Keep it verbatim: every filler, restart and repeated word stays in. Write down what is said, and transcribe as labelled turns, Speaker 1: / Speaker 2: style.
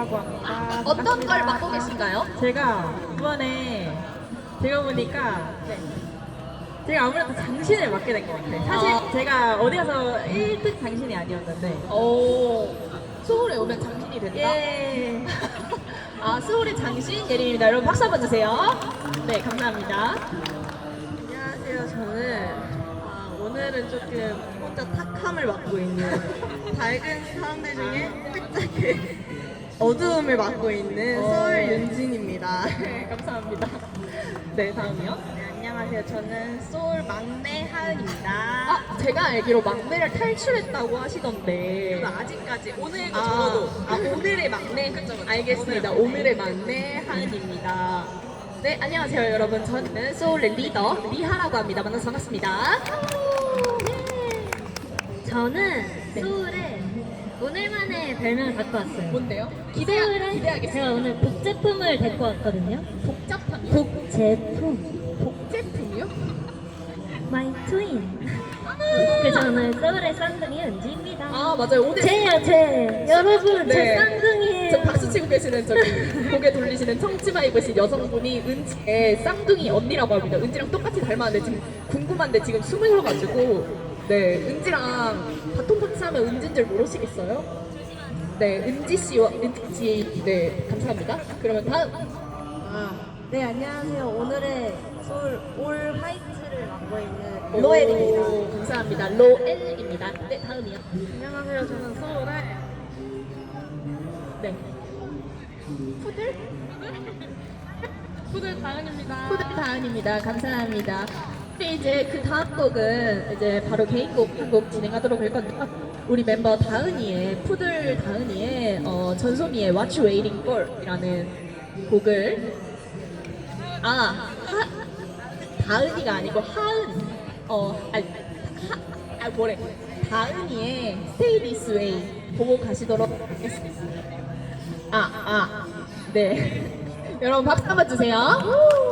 Speaker 1: 이라고 합니다.
Speaker 2: 어떤
Speaker 1: 반갑습니다.
Speaker 2: 걸 맡고 계신가요?
Speaker 1: 제가 이번에 제가 보니까 네. 제가 아무래도 장신을 맡게 된 것 같아요. 사실
Speaker 2: 아.
Speaker 1: 제가 어디 가서 일 등 장신이 아니었는데.
Speaker 2: 오, 소울에 오면 장신이 된다?
Speaker 1: 예.
Speaker 2: 아, 소울의 장신 예림입니다. 여러분 박수 한번 주세요. 네, 감사합니다.
Speaker 3: 안녕하세요. 저는 아, 오늘은 조금 혼자 탁함을 맡고 있는 밝은 사람들 중에 살짝 어두움을 맡고 있는
Speaker 2: 어.
Speaker 3: 서울 윤진입니다.
Speaker 2: 네, 감사합니다. 네, 다음이요.
Speaker 3: 네, 안녕하세요. 저는 소울 막내 하은입니다.
Speaker 2: 아, 제가 알기로 막내를 탈출했다고 하시던데.
Speaker 3: 저는 아직까지 오늘
Speaker 2: 아,
Speaker 3: 적어도
Speaker 2: 아, 오늘의 막내.
Speaker 3: 그쵸, 그쵸.
Speaker 2: 알겠습니다. 오늘의 막내 하은입니다. 네, 안녕하세요, 여러분. 저는 소울의 리더 리하라고 합니다. 만나서 반갑습니다.
Speaker 4: 저는 소울에 오늘만의 별명을 갖고 왔어요.
Speaker 2: 뭔데요?
Speaker 4: 소울에
Speaker 2: 기대하겠습니다.
Speaker 4: 제가 오늘 복제품을 데리고 왔거든요.
Speaker 2: 복잡함이요?
Speaker 4: 복제품.
Speaker 2: 복제품이요?
Speaker 4: 마이 트윈. 그래서 오늘 소울의 쌍둥이 은지입니다.
Speaker 2: 아, 맞아요. 오늘
Speaker 4: 제요, 제. 여러분,
Speaker 2: 네.
Speaker 4: 제 쌍둥이에요.
Speaker 2: 저 박수 치고 계시는 저기 고개 돌리시는 청치마 입으신 여성분이 은지의 쌍둥이 언니라고 합니다. 은지랑 똑같이 닮았는데 지금 궁금한데 지금 숨을 쉬어가지고 네, 은지랑 바톤 터치하면 은지인 줄 모르시겠어요? 네, 은지 씨와 은지 씨, 네, 감사합니다. 그러면 다음.
Speaker 3: 아, 네, 안녕하세요. 오늘의 소울 올 화이트를 맡고 있는
Speaker 2: 오,
Speaker 3: 로엘입니다.
Speaker 2: 감사합니다. 로엘입니다. 네, 다음이요.
Speaker 3: 안녕하세요. 저는 소울의
Speaker 2: 네. 푸들?
Speaker 3: 푸들 다은입니다.
Speaker 2: 푸들 다은입니다. 감사합니다. 근데 이제 그 다음 곡은 이제 바로 개인곡 한 곡 진행하도록 할 건데요. 우리 멤버 다은이의 푸들 다은이의 어, 전소미의 What You Waiting For 이라는 곡을 아 하, 다은이가 아니고 하은 어 아니 하, 아 뭐래 다은이의 Stay This Way 보고 가시도록 하겠습니다. 아 아 네 여러분 박수 한번 주세요.